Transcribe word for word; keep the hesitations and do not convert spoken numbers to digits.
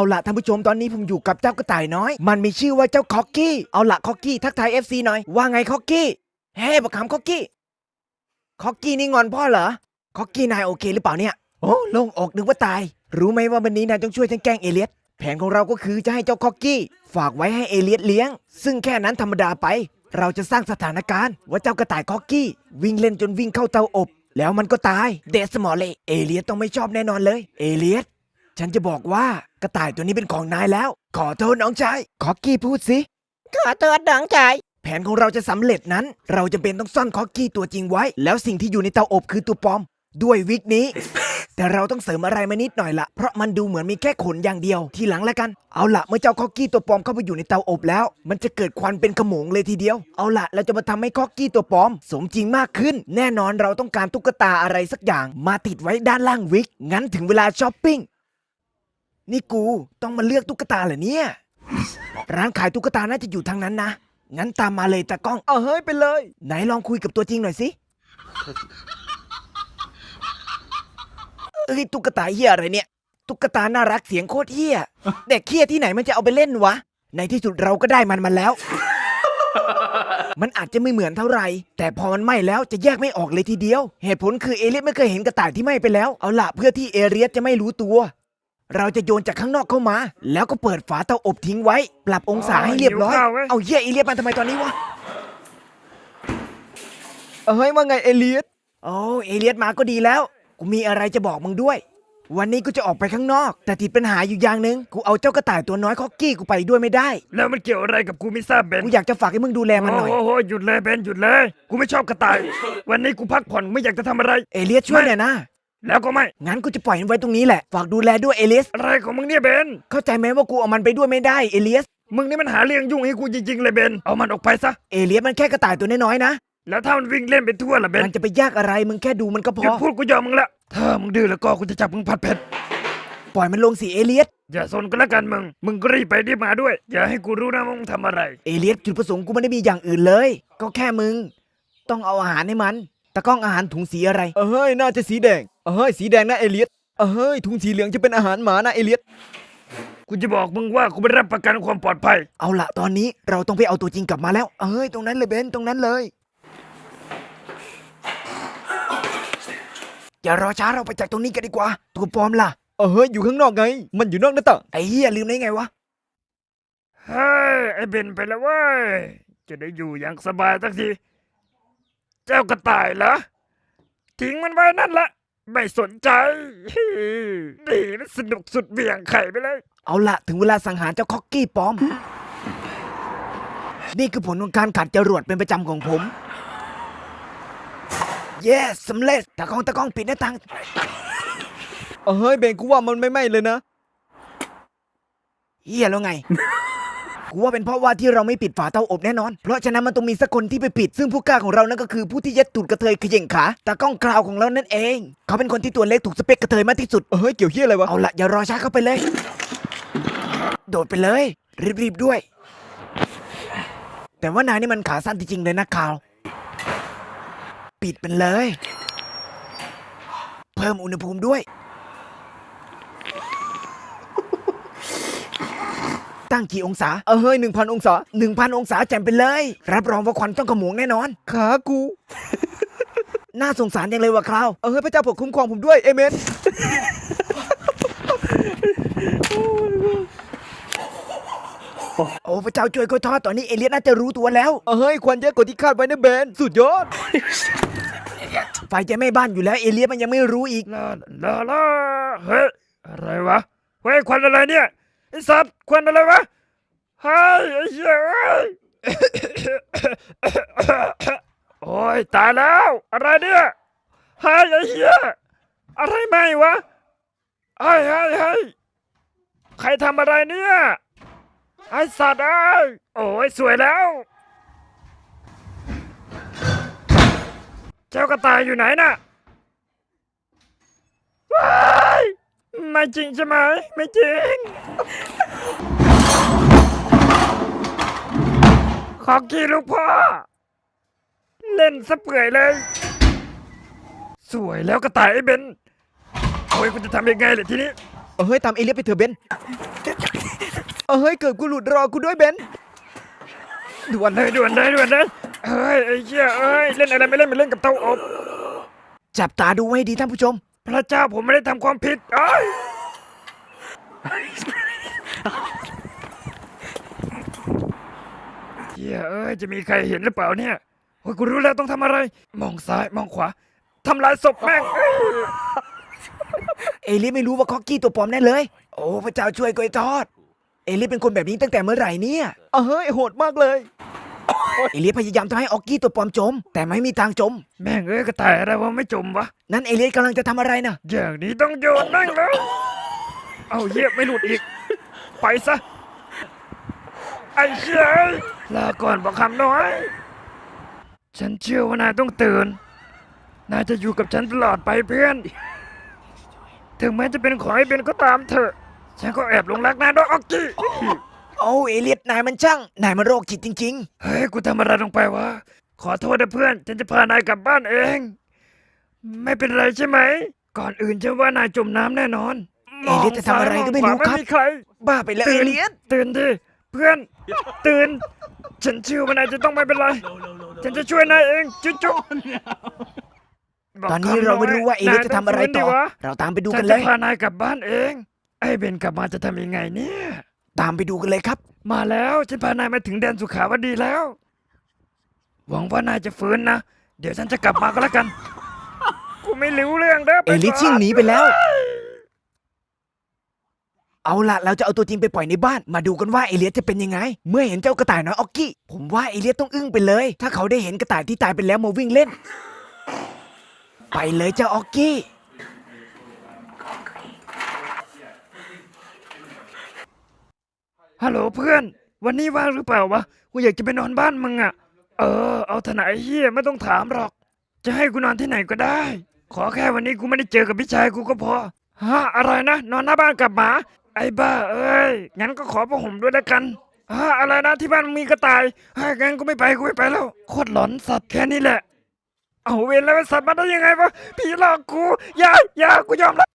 เอาละท่านผู้ชมตอนนี้ผมอยู่กับเจ้ากระต่ายน้อยมันมีชื่อว่าเจ้าคอกกี้เอาละคอกกี้ทักทาย เอฟ ซี หน่อยว่าไงคอกกี้เฮ้บักขำคอกกี้คอกกี้นี่งอนพ่อเหรอคอกกี้นายโอเคหรือเปล่าเนี่ยโอ้โล่งอกนึกว่าตายรู้ไหมว่าวันนี้นายต้องช่วยฉันแกล้งเอเลียสแผนของเราก็คือจะให้เจ้าคอกกี้ฝากไว้ให้เอเลียสเลี้ยงซึ่งแค่นั้นธรรมดาไปเราจะสร้างสถานการณ์ว่าเจ้ากระต่ายคอกกี้วิ่งเล่นจนวิ่งเข้าเตาอบแล้วมันก็ตายเดสมอลเล่เอเลียสต้องไม่ชอบแน่นอนเลยเอเลียสฉันจะบอกว่ากระต่ายตัวนี้เป็นของนายแล้วขอโทษน้องชายคอกกี้พูดสิขอโทษน้องชายแผนของเราจะสำเร็จนั้นเราจะเป็นต้องซ่อนคอกกี้ตัวจริงไว้แล้วสิ่งที่อยู่ในเตาอบคือตัวปลอมด้วยวิกนี้ แต่เราต้องเสริมอะไรมานิดหน่อยละเพราะมันดูเหมือนมีแค่ขนอย่างเดียวทีหลังแล้วกันเอาละเมื่อเจ้าคอกกี้ตัวปลอมเข้าไปอยู่ในเตาอบแล้วมันจะเกิดควันเป็นขโมงเลยทีเดียวเอาละเราจะมาทำให้คอกกี้ตัวปลอมสมจริงมากขึ้นแน่นอนเราต้องการตุ๊กตาอะไรสักอย่างมาติดไว้ด้านล่างวิกงั้นถึงเวลาช้อปปิ้งนี่กูต้องมาเลือกตุ๊กตาเหรอเนี่ยร้านขายตุ๊กตาน่าจะอยู่ทางนั้นนะงั้นตามมาเลยตากล้องเอาเฮ้ยไปเลยไหนลองคุยกับตัวจริงหน่อยสิเอ้ยตุ๊กตาเหี้ยอะไรเนี่ยตุ๊กตาน่ารักเสียงโคตรเหี้ยเด็กเหี้ยที่ไหนมันจะเอาไปเล่นวะในที่สุดเราก็ได้มันมาแล้ว มันอาจจะไม่เหมือนเท่าไหร่แต่พอมันไหม้แล้วจะแยกไม่ออกเลยทีเดียวเหตุผลคือเอเลียสไม่เคยเห็นกระต่ายที่ไหม้ไปแล้วเอาล่ะเพื่อที่เอเลียสจะไม่รู้ตัวเราจะโยนจากข้างนอกเข้ามาแล้วก็เปิดฝาเตาอบทิ้งไว้ปรับองศาให้เรียบร้อยเอาเหี้ยเอเลียสมาทำไมตอนนี้วะเฮ้ยว่าไงเอเลียสโอ้เอเลียสมาก็ดีแล้วกูมีอะไรจะบอกมึงด้วยวันนี้กูจะออกไปข้างนอกแต่ติดปัญหาอยู่อย่างหนึ่งกูเอาเจ้ากระต่ายตัวน้อยคอกกี้กูไปด้วยไม่ได้แล้วมันเกี่ยวอะไรกับกูไม่ทราบเบนกูอยากจะฝากให้มึงดูแลมันหน่อยโอ้โหหยุดเลยเบนหยุดเลยกูไม่ชอบกระต่ายวันนี้กูพักผ่อนไม่อยากจะทำอะไรเอเลียสช่วยหน่อยนะแล้วก็ไม่งั้นกูจะปล่อยมันไว้ตรงนี้แหละฝากดูแลด้วยเอเลียสอะไรของมึงเนี่ยเบนเข้าใจไหมว่ากูเอามันไปด้วยไม่ได้เอเลียสมึงนี่มันหาเรื่องยุ่งให้กูจริงๆเลยเบนเอามันออกไปซะเอเลียสมันแค่กระต่ายตัวน้อยๆนะแล้วถ้ามันวิ่งเล่นไปทั่วล่ะเบนมันจะไปยากอะไรมึงแค่ดูมันก็พอหยุดพูดกูยอมมึงละถ้ามึงดื้อแล้วก็กูจะจับมึงผัดเผ็ดปล่อยมันลงสิเอเลียสอย่าสนก็แล้วกันมึงมึงก็รีบไปรีบมาด้วยอย่าให้กูรู้นะว่ามึงทำอะไรเอเลียสจุดประสงค์กูไม่ได้มีอย่างอื่นเลยก็แค่มึงต้องเอาอาหารให้มันตะก้องอาหารถุงสีอะไรเอ้ยน่าจะสีแดงเอ้ยสีแดงนะเอเลียสเอ้ยถุงสีเหลืองจะเป็นอาหารหมานะเอเลียสกูจะบอกมึงว่ากูไม่รับประกันความปลอดภัยเอาละตอนนี้เราต้องไปเอาตัวจริงกลับมาแล้วเอ้ยตรงนั้นเลยเบนตรงนั้นเลยอย่ารอช้าเราไปจากตรงนี้กันดีกว่าตัวปลอมล่ะเอ้ยอยู่ข้างนอกไงมันอยู่นอกหน้าต่างไอ้เหี้ยลืมได้ไงวะเฮ้ยไอ้เบนไปแล้วเว้ยจะได้อยู่อย่างสบายสักทีเจ้ากระต่ายเหรอทิ้งมันไว้นั่นละไม่สนใจดีสนุกสุดเบี่ยงไข่ไปเลยเอาละถึงเวลาสังหารเจ้าคอกกี้ปลอมนี่คือผลของการขัดจรวดเป็นประจำของผมเย้สำเร็จตะก้องตะก้องปิดหน้าต่างเฮ้ยเบนกูว่ามันไม่ไหม้เลยนะเฮียแล้วไง กูว่าเป็นเพราะว่าที่เราไม่ปิดฝาเตาอบแน่นอนเพราะฉะนั้นมันต้องมีสักคนที่ไปปิดซึ่งผู้กล้าของเรานั่นก็คือผู้ที่ยัดตูดกระเทยเขย่งขาตะก้องคราวของเรานั่นเองเขาเป็นคนที่ตัวเล็กถูกสเปคกระเทยมากที่สุดเฮ้ยเกี่ยวเฮียอะไรวะเอาละอย่ารอช้าเข้าไปเลยโดดไปเลยรีบๆด้วยแต่ว่านายนี่มันขาสั้นจริงๆเลยนะคราวปิดมันเลยเพิ่มอุณหภูมิด้วยตั้งกี่องศาเออเฮ้ยหนึ่งพันองศาหนึ่งพันองศาแจ่มไปเลยรับรองว่าควันต้องขโมงแน่นอนขากูน่าสงสารจังเลยว่ะคราวเออพระเจ้าปกคุ้มครองผมด้วยเอเมนโอ้พระเจ้าช่วยก็ทอดตอนนี้เอเลียสน่าจะรู้ตัวแล้วเออเฮ้ยควันเยอะกว่าที่คาดไว้นะเบนสุดยอดไฟจะไม่บ้านอยู่แล้วเอเลียสมันยังไม่รู้อีกลาลาลาเฮ้ยอะไรวะเฮ้ยควันอะไรเนี่ยไอ้สัตว์ควันอะไรวะเฮ้ยไอ้เหี้ยโอ้ยตายแล้วอะไรเนี่ยเฮ้ยไอ้เหี้ยอะไรไหมวะเฮ้ยเฮ้ยเฮ้ยใครทำอะไรเนี่ยไอ้สัตว์เอ้ยโอ้ยสวยแล้วเจ้ากระต่ายอยู่ไหนน่ะว้ายไม่จริงใช่ไหมไม่จริงขอกี้ลูกพ่อเล่นซะเปื่อยเลยสวยแล้วกระต่ายไอ้เบนโอ้ยกูจะทำยังไงเลยทีนี้เฮ้ยตามเอเลียสไปเถอะเบนเฮ้ยเกิดกูหลุดรอกูด้วยเบนด่วนเลยด่วนเลยด่วนเลยเฮ้ยไอ้เหี้ยเอ้ยเล่นอะไรไม่เล่นไม่เล่นกับเตาอบจับตาดูไว้ดีท่านผู้ชมพระเจ้าผมไม่ได้ทำความผิดเอ้ยเหี้ยเอ้ยจะมีใครเห็นหรือเปล่าเนี่ยโอ้ยกูรู้แล้วต้องทำอะไร มองซ้ายมองขวาทำลายศพแม่งเอ้ยเอเลียสไม่รู้ว่าคอกกี้ตัวปลอมแน่เลย โอ้พระเจ้าช่วยกล้วยทอด เอเลียสเป็นคนแบบนี้ตั้งแต่เมื่อไหร่เนี่ยเฮ้ยโหดมากเลยเอเลียสพยายามทำให้ออกกี้ตัวปลอมจม แต่ไม่มีทางจมแม่งเอ้ยกระต่ายอะไรวะไม่จมวะนั่นเอเลียสกำลังจะทำอะไรนะอย่างนี้ต้องโยนแม่งเลยเอาเหี้ยไม่หลุดอีก ไปซะไอ้เชี่ยเอ้ยลาก่อนบอกคำน้อย ฉันเชื่อว่านายต้องตื่น นายจะอยู่กับฉันตลอดไปเพื่อน ถึงแม้จะเป็นของไอ้เบนก็ตามเถอะ ฉันก็แอบหลงรักนายด้วยออกกี้โอ้เอเลียสนายมันช่าง นายมันโรคจิตจริงเฮ้ย กูทำอะไรลงไปวะ ขอโทษนะเพื่อน ฉันจะพานายกลับบ้านเอง ไม่เป็นไรใช่ไหม ก่อนอื่นฉันว่านายจมน้ำแน่นอนๆ เอเลียสจะทำอะไรก็ไม่รู้ครับไม่มีใครบ้าไปแล้วเอตื่นเลียสตื่นดิเพื่อน ตื่น ฉันเชื่อว่านายจะต้องไม่เป็นไร ฉันจะช่วยนายเองจุ๊จุ๊ตอนนี้เราไม่รู้ว่าเอเลียสจะทำอะไรต่อ เราตามไปดูฉักันนเลจะยพานายกลับบ้านเอง ไอ้เบนกลับมาจะทำยังไงเนี่ยตามไปดูกันเลยครับมาแล้วฉันพานายมาถึงแดนสุขาวดีแล้ว หวังว่านายจะฟื้นนะ เดี๋ยวฉันจะกลับมาก็แล้วกัน กูไม่รู้เรื่องเด้อเอเลียสชิ่งหนีไปแล้ว เอาล่ะ เราจะเอาตัวจริงไปปล่อยในบ้าน มาดูกันว่าเอเลียสจะเป็นยังไง เมื่อเห็นเจ้ากระต่ายน้อยออกกี้ ผมว่าเอเลียสต้องอึ้งไปเลย ถ้าเขาได้เห็นกระต่ายที่ตายไปแล้วมาวิ่งเล่น ไปเลยเจ้าออกกี้ฮัลโหลเพื่อน วันนี้ว่างหรือเปล่าวะ กูอยากจะไปนอนบ้านมึงอะเออ เอาเถอะนะไอ้เฮียไม่ต้องถามหรอก จะให้กูนอนที่ไหนก็ได้ ขอแค่วันนี้กูไม่ได้เจอกับพี่ชายกูก็พอ ฮะ อะไรนะ นอนหน้าบ้านกับหมา ไอ้บ้าเอ้ย งั้นก็ขอผ้าห่มด้วยแล้วกัน ฮะ อะไรนะที่บ้านมึงมีกระต่ายฮะงั้นกูไม่ไปกูไม่ไปแล้ว โคตรหลอนสัตว์แค่นี้แหละ เอาเวรแล้วไอ้สัตว์มาได้ยังไงวะ ผีหลอกกู อย่า อย่า กูยอมแล้ว